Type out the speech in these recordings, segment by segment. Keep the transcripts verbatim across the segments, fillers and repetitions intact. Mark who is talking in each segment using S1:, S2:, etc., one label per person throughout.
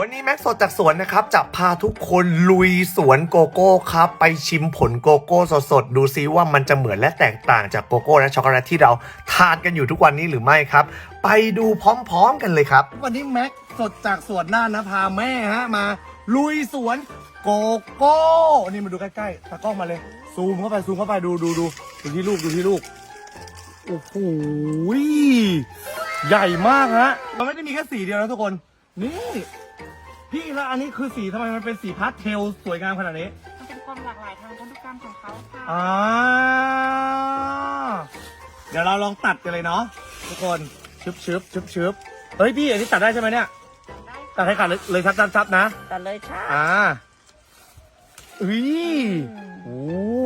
S1: วันนี้แม็กสดจากสวนนะครับจะพาทุกคนลุยสวนโกโก้ครับไปชิมผลโกโก้สดๆดูซิว่ามันจะเหมือนและแตกต่างจากโกโก้และช็อกโกแลตที่เราทานกันอยู่ทุกวันนี้หรือไม่ครับไปดูพร้อมๆกันเลยครับวันนี้แม็กสดจากสวนน่านนะพาแม่ฮะมาลุยสวนโกโก้นี่มาดูใกล้ๆตากล้องมาเลยซูมเข้าไปซูมเข้าไปดูดูดูดูที่ลูกดูที่ลูกโอ้โหใหญ่มากฮะมันไม่ได้มีแค่สีเดียวนะทุกคนนี่พี่แล้วอันนี้คือสีทำไมมันเป็นสีพาสเทลสวยงามขนาดนี้
S2: มันเป็นความหลากหลายทางพันธุกรรมของเขาค่ะ
S1: อ่าเดี๋ยวเราลองตัดกันเลยเนาะทุกคนชึบชึบชึบชึบเฮ้ยพี่อันนี้ตัดได้ใช่ไหมเนี่ยตัดให้ขาดเลยเลยชัดชัดนะ
S2: ตัดเลยใช่
S1: อ่าอุ้ยโอ้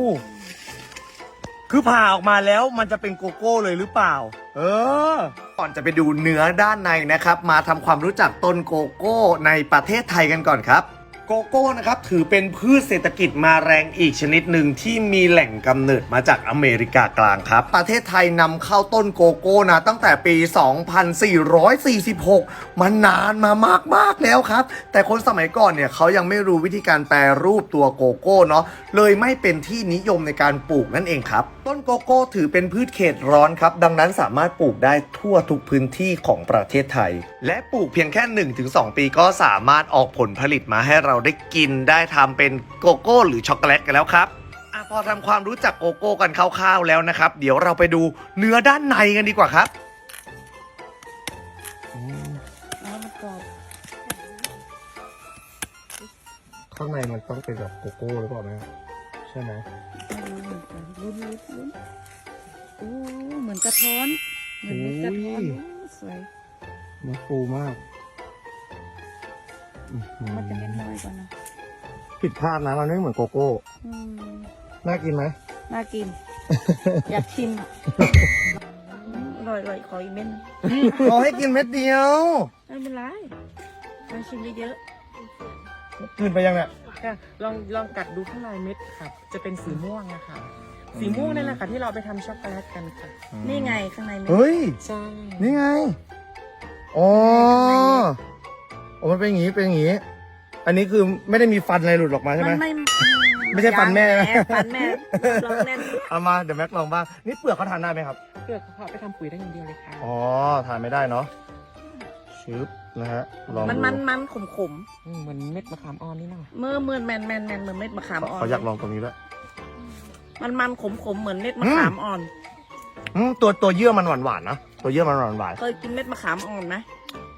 S1: คือผ่าออกมาแล้วมันจะเป็นโกโก้เลยหรือเปล่าเออก่อนจะไปดูเนื้อด้านในนะครับมาทำความรู้จักต้นโกโก้ในประเทศไทยกันก่อนครับโกโก้นะครับถือเป็นพืชเศรษฐกิจมาแรงอีกชนิดหนึ่งที่มีแหล่งกำเนิดมาจากอเมริกากลางครับประเทศไทยนำเข้าต้นโกโก้นะตั้งแต่ปี สองพันสี่ร้อยสี่สิบหก มานานมามากๆแล้วครับแต่คนสมัยก่อนเนี่ยเขายังไม่รู้วิธีการแปรรูปตัวโกโก้เนาะเลยไม่เป็นที่นิยมในการปลูกนั่นเองครับต้นโกโก้ถือเป็นพืชเขตร้อนครับดังนั้นสามารถปลูกได้ทั่วทุกพื้นที่ของประเทศไทยและปลูกเพียงแค่ หนึ่งถึงสอง ปีก็สามารถออกผลผลิตมาให้เราได้กินได้ทำเป็นโกโก้หรือช็อกโกแลตกันแล้วครับอ่ะพอทำความรู้จักโกโก้กันคร่าวๆแล้วนะครับเดี๋ยวเราไปดูเนื้อด้านในกันดีกว่าครับข้างในมันต้องเป็นแบบโกโก้หรือเปล่าแม่ใช่ไหม
S2: ลุ้นลุ้นลุ้นโอ้เหมือนกระท้อนเหมือนเม็ดกระท้อนสวย
S1: มันฟูมาก
S2: มันจะเล็กน้อยกว่านะ
S1: ผิดพลาดนะมันไม่เหมือนโกโก้น่ากินไหม
S2: น่ากิน อยากชิมอร่อยอร่อยขออีกเม็ด
S1: ขอให้กินเม็ดเดียว
S2: ไม่เป็นไรลองชิมเยอะ
S1: ๆกินไปยังเนี่ย
S3: ค่ะลองลองกัดดูข้างในเม็ดค่ะจะเป็นสีม่วงอะค่ะสีม่วงนั่นแหละค่ะที่เราไปทำช็อกโกแลตกันค่ะ
S2: นี่ไงข้างในเม็ด
S1: เฮ้ย
S3: ใช่
S1: นี่ไงอ๋อโอ้มันเป็นอย่างงี้เป็นอย่างงี้อันนี้คือไม่ได้มีฟันอะไรหลุดออกมาใช่ไหมไม่ไม่ใช่ฟันแม่ไหม
S2: ฟันแม่ลองแน่น
S1: เอามาเดี๋ยวแม็กลองบ้างนี่เปลือกเขาทานได้ไหมครับ
S3: เปลือกเขาไปทำปุ๋ยได้อย่างเดียวเลยค่ะ
S1: อ๋อทานไม่ได้เนาะชึบนะฮะลอง
S2: มันมันมันขมขม
S3: เหมือนเม็ดมะขามอ่อนนี่นะ
S2: เมื่อเมื่อแมนแมนแมนเหมือนเม็ดมะขามอ่อน
S1: เขาอยากลองตรงนี้ด้วย
S2: มันมันขมขมเหมือนเม็ดมะขามอ่อน
S1: อืมตัวตัวเยื่อมันหวานหวานนะตัวเยื่อมันหวานหวาน
S2: เคยกินเม็ดมะขามอ่อนไหม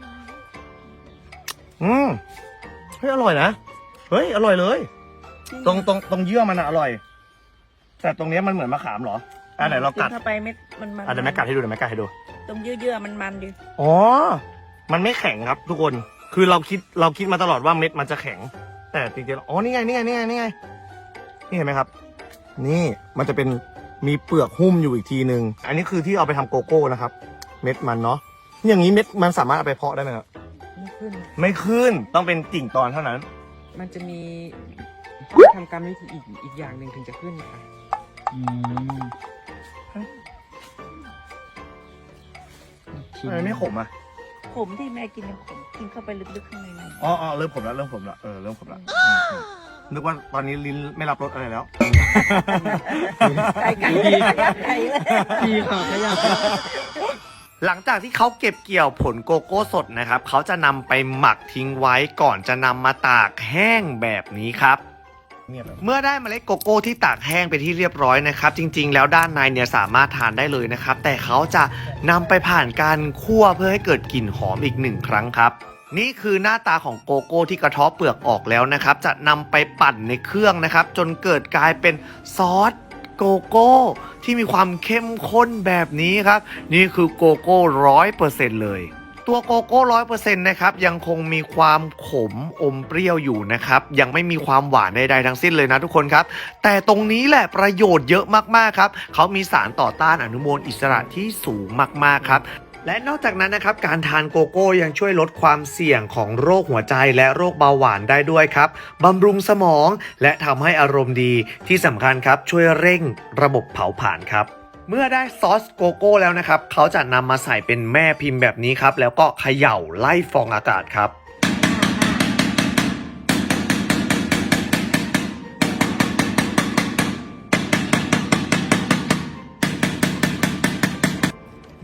S1: อืมเฮ้ยอร่อยนะเฮ้ยอร่อยเลยตรงตรงตรงเยื่อมันอะอร่อยแต่ตรงนี้มันเหมือนมะขามเหรออ่ะไหนเรากัด
S2: เข้าไปเม็ดมันมัน
S1: อ่ะเดี๋ยวแม่กัดให้ดูเดี๋ยวแม่กัดให้ดู
S2: ตรงเยื่อๆมันมันดิ
S1: อ๋อมันไม่แข็งครับทุกคนคือเราคิดเราคิดมาตลอดว่าเม็ดมันจะแข็งแต่จริงๆอ๋อนี่ไงนี่ไงนี่ไงนี่ไงนี่เห็นไหมครับนี่มันจะเป็นมีเปลือกหุ้มอยู่อีกทีนึงอันนี้คือที่เอาไปทำโกโก้นะครับเม็ดมันเนาะอย่างนี้เม็ดมันสามารถเอาไปเพาะได้ไหมครับ
S3: ไม่ขึ้น
S1: ไม่ขึ้นต้องเป็นกิ่งตอนเท่านั้น
S3: มันจะมีทำกรรมวิธีอีกอีกอย่างหนึ่งถึงจะขึ้นค่ะ
S1: อืมทำไมไม่ขมอ่ะ
S2: ขมที่แม่กินยังขมกินเข้าไปลึกๆข้างในนั้น
S1: อ๋ออ๋อเริ่มขมแล้วเริ่มขมแล้วเออเริ่มขมแล้วนึกว่าตอนนี้ลิ้นไม่รับรสอะไรแล้ว
S2: ไก่ไก่ไก่เลย
S3: ดีค่ะขยับ
S1: หลังจากที่เขาเก็บเกี่ยวผลโกโก้สดนะครับเขาจะนำไปหมักทิ้งไว้ก่อนจะนำมาตากแห้งแบบนี้ครับเมื่อได้เมล็ดโกโก้ที่ตากแห้งไปที่เรียบร้อยนะครับจริงๆแล้วด้านในเนี่ยสามารถทานได้เลยนะครับแต่เขาจะนำไปผ่านการคั่วเพื่อให้เกิดกลิ่นหอมอีกหนึ่งครั้งครับนี่คือหน้าตาของโกโก้ที่กระเทาะเปลือกออกแล้วนะครับจะนำไปปั่นในเครื่องนะครับจนเกิดกลายเป็นซอสโกโก้ที่มีความเข้มข้นแบบนี้ครับนี่คือโกโก้ร้อยเปอร์เซ็นต์เลยตัวโกโก้ร้อยเปอร์เซ็นต์นะครับยังคงมีความขมอมเปรี้ยวอยู่นะครับยังไม่มีความหวานใดๆทั้งสิ้นเลยนะทุกคนครับแต่ตรงนี้แหละประโยชน์เยอะมากๆครับเขามีสารต่อต้านอนุมูลอิสระที่สูงมากๆครับและนอกจากนั้นนะครับการทานโกโก้ยังช่วยลดความเสี่ยงของโรคหัวใจและโรคเบาหวานได้ด้วยครับบำรุงสมองและทำให้อารมณ์ดีที่สำคัญครับช่วยเร่งระบบเผาผลาญครับเมื่อได้ซอสโกโก้แล้วนะครับเขาจะนำมาใส่เป็นแม่พิมพ์แบบนี้ครับแล้วก็เขย่าไล่ฟองอากาศครับ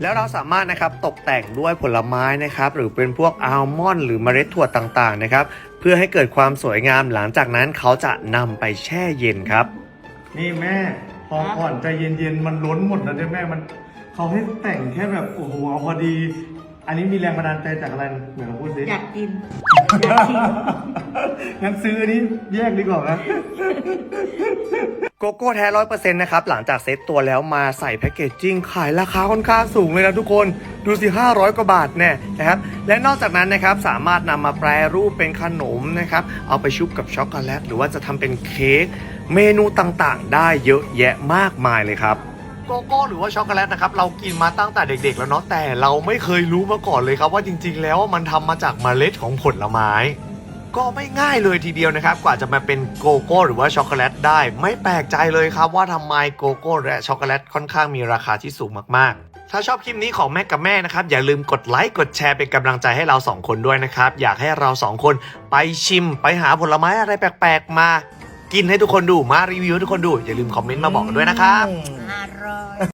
S1: แล้วเราสามารถนะครับตกแต่งด้วยผลไม้นะครับหรือเป็นพวกอัลมอนด์หรือเมล็ดถั่วต่างๆนะครับเพื่อให้เกิดความสวยงามหลังจากนั้นเขาจะนำไปแช่เย็นครับนี่แม่พอก่อนใจเย็นๆมันล้นหมดแล้วด้วยแม่มันเขาให้แต่งแค่แบบโอ้โหเอาพอดี อันนี้มีแรงบันดาลใจจากอะไรเหมือนเราพูดสิ
S2: อยากกินอยากชิม
S1: งั้นซื้ออันนี้แยกดีกว่านะโกโก้แท้ร้อยเปอร์เซ็นต์นะครับหลังจากเซ็ตตัวแล้วมาใส่แพคเกจจิ้งขายราคาค่อนข้างสูงเลยนะทุกคนดูสิห้าร้อยกว่าบาทแน่นะครับและนอกจากนั้นนะครับสามารถนำมาแปรรูปเป็นขนมนะครับเอาไปชุบกับช็อกโกแลตหรือว่าจะทำเป็นเค้กเมนูต่างๆ ได้เยอะแยะมากมายเลยครับโกโก้หรือว่าช็อกโกแลตนะครับเรากินมาตั้งแต่เด็กๆแล้วเนาะแต่เราไม่เคยรู้มาก่อนเลยครับว่าจริงๆแล้วมันทำมาจากเมล็ดของผลไม้ก็ไม่ง่ายเลยทีเดียวนะครับกว่าจะมาเป็นโกโก้หรือว่าช็อกโกแลตได้ไม่แปลกใจเลยครับว่าทำไมโกโก้และช็อกโกแลตค่อนข้างมีราคาที่สูงมากๆถ้าชอบคลิปนี้ของแม่กับแม่นะครับอย่าลืมกดไลค์กดแชร์เป็นกำลังใจให้เราสองคนด้วยนะครับอยากให้เราสองคนไปชิมไปหาผลไม้อะไรแปลกๆมากินให้ทุกคนดูมารีวิวให้ทุกคนดูอย่าลืมคอมเมนต์มาบอกกันด้วยนะครับ
S2: อร่อย